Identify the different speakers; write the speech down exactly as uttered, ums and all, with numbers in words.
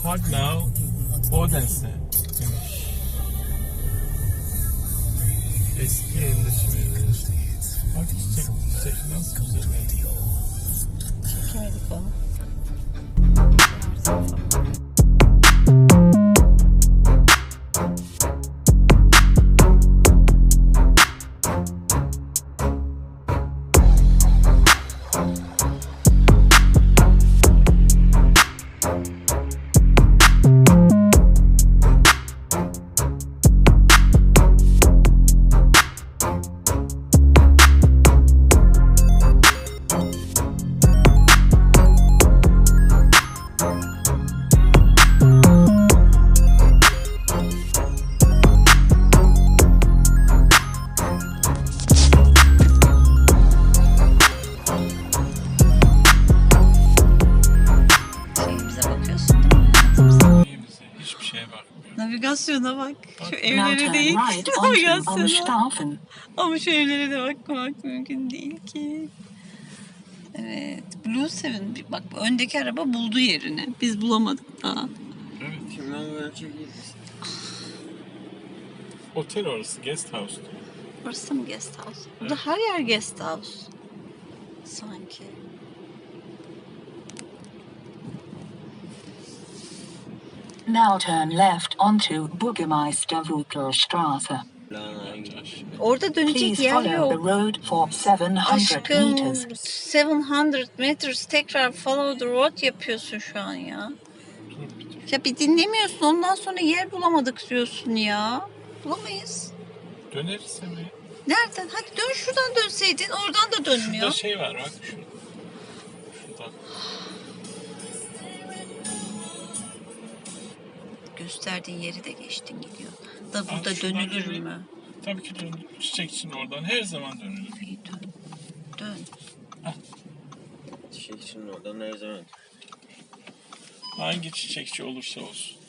Speaker 1: Park now Odense demiş. Eski yerleşimleri. Bak çiçek, çiçek nasıl güzel.
Speaker 2: Çekemedik onu. Navigasyona bak. Şu evlere değil. Navigasyona. Ama şu evlere de bakmak mümkün değil ki. Evet. Blue Seven. Bak öndeki araba buldu yerini. Biz bulamadık daha.
Speaker 1: Evet.
Speaker 3: Kimden böyle çekildi?
Speaker 1: Otel orası. Guest house.
Speaker 2: Orası mı guest house? Burada evet. Her yer guest house. Sanki.
Speaker 4: Now turn left onto Burgemeisterwutelstraße.
Speaker 2: Orada dönecek
Speaker 4: Please
Speaker 2: yer
Speaker 4: follow
Speaker 2: yok.
Speaker 4: the road for seven hundred
Speaker 2: Aşkım,
Speaker 4: meters.
Speaker 2: seven hundred meters tekrar follow the road yapıyorsun şu an ya. Ya bir dinlemiyorsun, ondan sonra yer bulamadık diyorsun ya. Bulamayız.
Speaker 1: Döneriz hemen.
Speaker 2: Nereden? Hadi dön, şuradan dönseydin. Oradan da dönmüyor.
Speaker 1: Şurada şey var bak. Şurada. Şurada.
Speaker 2: Gösterdiğin yeri de geçtin gidiyor. Da burada
Speaker 1: Abi
Speaker 2: dönülür
Speaker 1: döneyim.
Speaker 2: mü?
Speaker 1: Tabii ki dönülür. Çiçek için oradan her zaman dönülür.
Speaker 2: İyi dön. Dön.
Speaker 1: Hah.
Speaker 3: Çiçek için oradan her zaman.
Speaker 1: Hangi çiçekçi olursa olsun.